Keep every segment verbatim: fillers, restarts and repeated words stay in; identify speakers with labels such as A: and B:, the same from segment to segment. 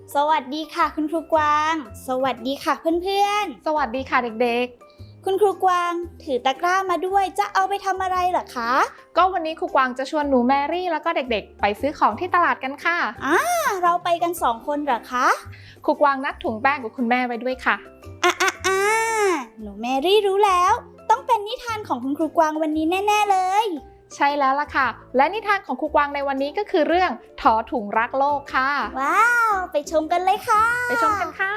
A: สวัสดีค่ะคุณครูกวางสวัสดีค่ะเพื่อน
B: ๆสวัสดีค่ะเด็ก
A: ๆคุณครูกวางถือตะกร้ามาด้วยจะเอาไปทำอะไรเหรอคะ
B: ก็วันนี้ครูกวางจะชวนหนูแมรี่แล้วก็เด็กๆไปซื้อของที่ตลาดกันค่ะ
A: อ่าเราไปกันสองคนเหรอคะ
B: ครูกวางนัดถุงแป้งกับคุณแม่ไว้ด้วยค่ะ
A: อ่ะอ่ะอ่ะหนูแมรี่รู้แล้วต้องเป็นนิทานของคุณครูกวางวันนี้แน่ๆเลย
B: ใช่แล้วล่ะค่ะและนิทานของครูกวางในวันนี้ก็คือเรื่องถอถุงรักโลกค่ะ
A: ว้าวไปชมกันเลยค่ะ
B: ไปชมกันค่ะ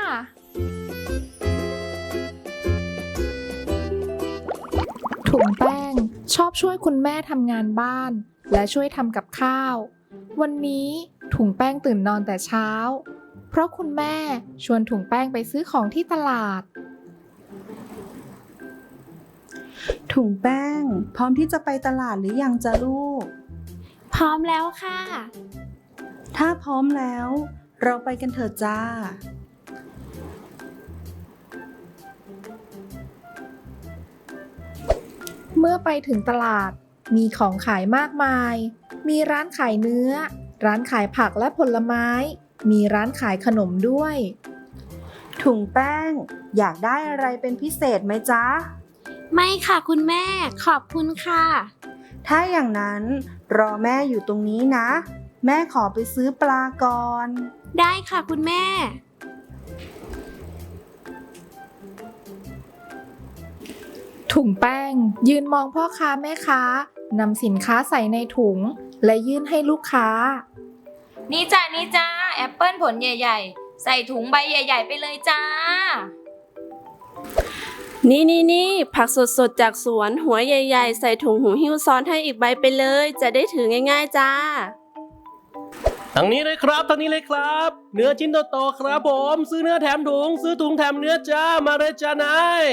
B: ถุงแป้งชอบช่วยคุณแม่ทำงานบ้านและช่วยทำกับข้าววันนี้ถุงแป้งตื่นนอนแต่เช้าเพราะคุณแม่ชวนถุงแป้งไปซื้อของที่ตลาด
C: ถุงแป้งพร้อมที่จะไปตลาดหรือยังจ๊ะลูก
A: พร้อมแล้วค่ะ
C: ถ้าพร้อมแล้วเราไปกันเถอะจ้า
B: เมื่อไปถึงตลาดมีของขายมากมายมีร้านขายเนื้อร้านขายผักและผลไม้มีร้านขายขนมด้วย
C: ถุงแป้งอยากได้อะไรเป็นพิเศษไหมจ๊ะ
A: ไม่ค่ะคุณแม่ขอบคุณค่ะ
C: ถ้าอย่างนั้นรอแม่อยู่ตรงนี้นะแม่ขอไปซื้อปลาก่อน
A: ได้ค่ะคุณแม่
B: ถุงแป้งยืนมองพ่อค้าแม่ค้านำสินค้าใส่ในถุงและยื่นให้ลูกค้า
D: นี่จ้านี่จ้าแอปเปิ้ลผลใหญ่ๆใส่ถุงใบใหญ่ๆไปเลยจ้า
E: นี่นี่นี่ผักสดๆจากสวนหัวใหญ่ๆใส่ถุงหูหิ้วซ้อนให้อีกใบไปเลยจะได้ถือง่ายๆจ้า
F: ทางนี้เลยครับทางนี้เลยครับเนื้อชิ้นโตๆครับผมซื้อเนื้อแถมถุงซื้อถุงแถมเนื้อจ้ามาเลยจ้านาย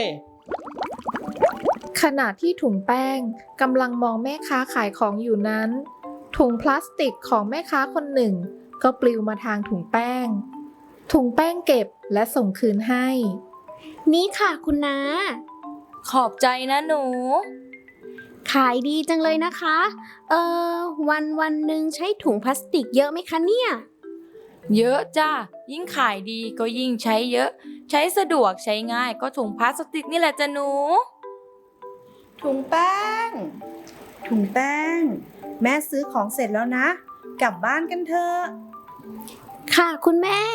B: ขณะที่ถุงแป้งกำลังมองแม่ค้าขายของอยู่นั้นถุงพลาสติกของแม่ค้าคนหนึ่งก็ปลิวมาทางถุงแป้งถุงแป้งเก็บและส่งคืนให้
A: นี่ค่ะคุณน้า
D: ขอบใจนะหนู
A: ขายดีจังเลยนะคะเออวันวันหนึ่งใช้ถุงพลาสติกเยอะไหมคะเนี่ย
D: เยอะจ้ายิ่งขายดีก็ยิ่งใช้เยอะใช้สะดวกใช้ง่ายก็ถุงพลาสติกนี่แหละจ้ะหนู
C: ถุงแป้งถุงแป้งแม่ซื้อของเสร็จแล้วนะกลับบ้านกันเถอะ
A: ค่ะคุณแม่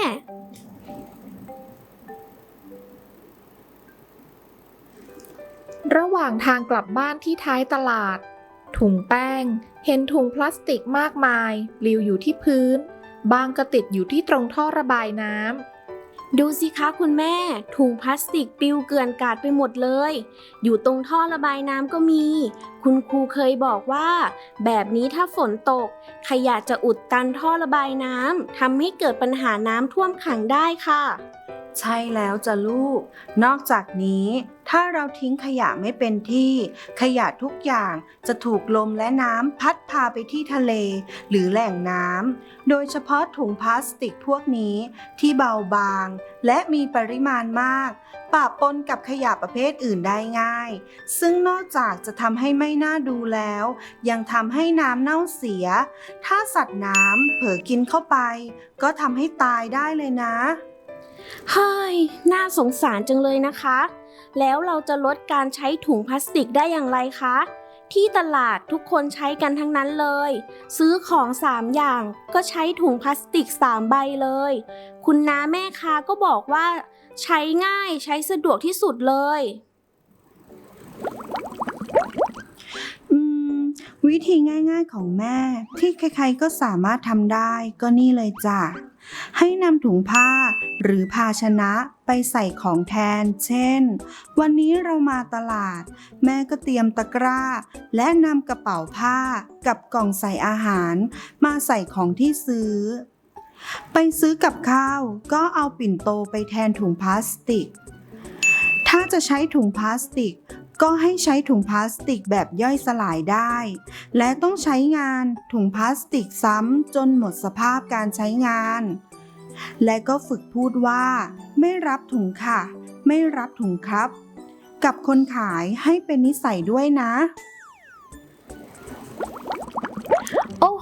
B: ระหว่างทางกลับบ้านที่ท้ายตลาดถุงแป้งเห็นถุงพลาสติกมากมายปลิวอยู่ที่พื้นบางก็ติดอยู่ที่ตรงท่อระบายน้ำ
A: ดูสิคะคุณแม่ถุงพลาสติกปลิวเกลื่อนกาดไปหมดเลยอยู่ตรงท่อระบายน้ำก็มีคุณครูเคยบอกว่าแบบนี้ถ้าฝนตกขยะจะอุดตันท่อระบายน้ำทำให้เกิดปัญหาน้ำท่วมขังได้ค่ะ
C: ใช่แล้วจ้ะลูกนอกจากนี้ถ้าเราทิ้งขยะไม่เป็นที่ขยะทุกอย่างจะถูกลมและน้ำพัดพาไปที่ทะเลหรือแหล่งน้ำโดยเฉพาะถุงพลาสติกพวกนี้ที่เบาบางและมีปริมาณมากปะปนกับขยะประเภทอื่นได้ง่ายซึ่งนอกจากจะทำให้ไม่น่าดูแล้วยังทำให้น้ำเน่าเสียถ้าสัตว์น้ำเผลอกินเข้าไปก็ทำให้ตายได้เลยนะ
A: เฮ้ยน่าสงสารจังเลยนะคะแล้วเราจะลดการใช้ถุงพลาสติกได้อย่างไรคะที่ตลาดทุกคนใช้กันทั้งนั้นเลยซื้อของสามอย่างก็ใช้ถุงพลาสติกสามใบเลยคุณน้าแม่ค้าก็บอกว่าใช้ง่ายใช้สะดวกที่สุดเลย
C: อืมวิธีง่ายๆของแม่ที่ใครๆก็สามารถทำได้ก็นี่เลยจ้ะให้นำถุงผ้าหรือภาชนะไปใส่ของแทนเช่นวันนี้เรามาตลาดแม่ก็เตรียมตะกร้าและนำกระเป๋าผ้ากับกล่องใส่อาหารมาใส่ของที่ซื้อไปซื้อกับข้าวก็เอาปิ่นโตไปแทนถุงพลาสติกถ้าจะใช้ถุงพลาสติกก็ให้ใช้ถุงพลาสติกแบบย่อยสลายได้และต้องใช้งานถุงพลาสติกซ้ำจนหมดสภาพการใช้งานและก็ฝึกพูดว่าไม่รับถุงค่ะไม่รับถุงครับกับคนขายให้เป็นนิสัยด้วยนะ
A: โอ้โห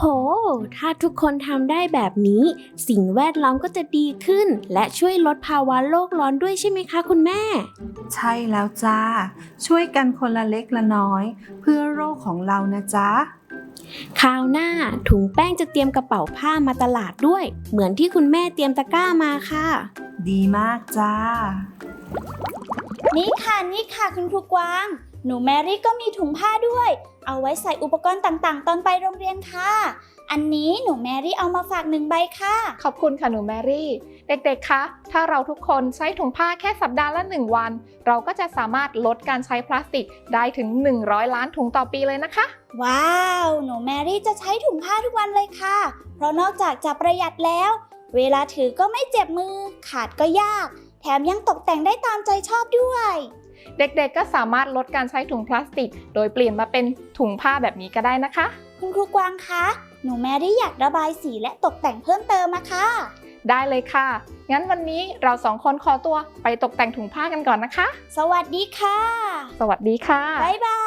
A: โห ถ้าทุกคนทำได้แบบนี้ สิ่งแวดล้อมก็จะดีขึ้น และช่วยลดภาวะโลกร้อนด้วยใช่ไหมคะคุณแม่
C: ใช่แล้วจ้า ช่วยกันคนละเล็กละน้อย เพื่อโลกของเรานะจ๊ะ
A: คราวหน้าถุงแป้งจะเตรียมกระเป๋าผ้ามาตลาดด้วย เหมือนที่คุณแม่เตรียมตะกร้ามาค่ะ
C: ดีมากจ้า
G: นี่ค่ะนี่ค่ะคุณครูกวาง หนูแมรี่ก็มีถุงผ้าด้วย เอาไว้ใส่อุปกรณ์ต่างๆ ตอนไปโรงเรียนค่ะ อันนี้หนูแมรี่เอามาฝากหนึ่งใบค่ะ
B: ขอบคุณค่ะหนูแมรี่ เด็กๆ คะ ถ้าเราทุกคนใช้ถุงผ้าแค่สัปดาห์ละหนึ่งวัน เราก็จะสามารถลดการใช้พลาสติกได้ถึงหนึ่งร้อยล้านถุงต่อปีเลยนะคะ
G: ว้าว หนูแมรี่จะใช้ถุงผ้าทุกวันเลยค่ะ เพราะนอกจากจะประหยัดแล้ว เวลาถือก็ไม่เจ็บมือ ขาดก็ยาก แถมยังตกแต่งได้ตามใจชอบด้วย
B: เด็กๆ ก็สามารถลดการใช้ถุงพลาสติก โดยเปลี่ยนมาเป็นถุงผ้าแบบนี้ก็ได้นะคะ
G: คุณครูกวางคะ หนูแมรี่อยากระบายสีและตกแต่งเพิ่มเติมมาค่ะ
B: ได้เลยค่ะ งั้นวันนี้เราสองคนขอตัวไปตกแต่งถุงผ้ากันก่อนนะคะ
G: สวัสดีค่ะ
B: สวัสดีค่ะ
G: บ๊ายบา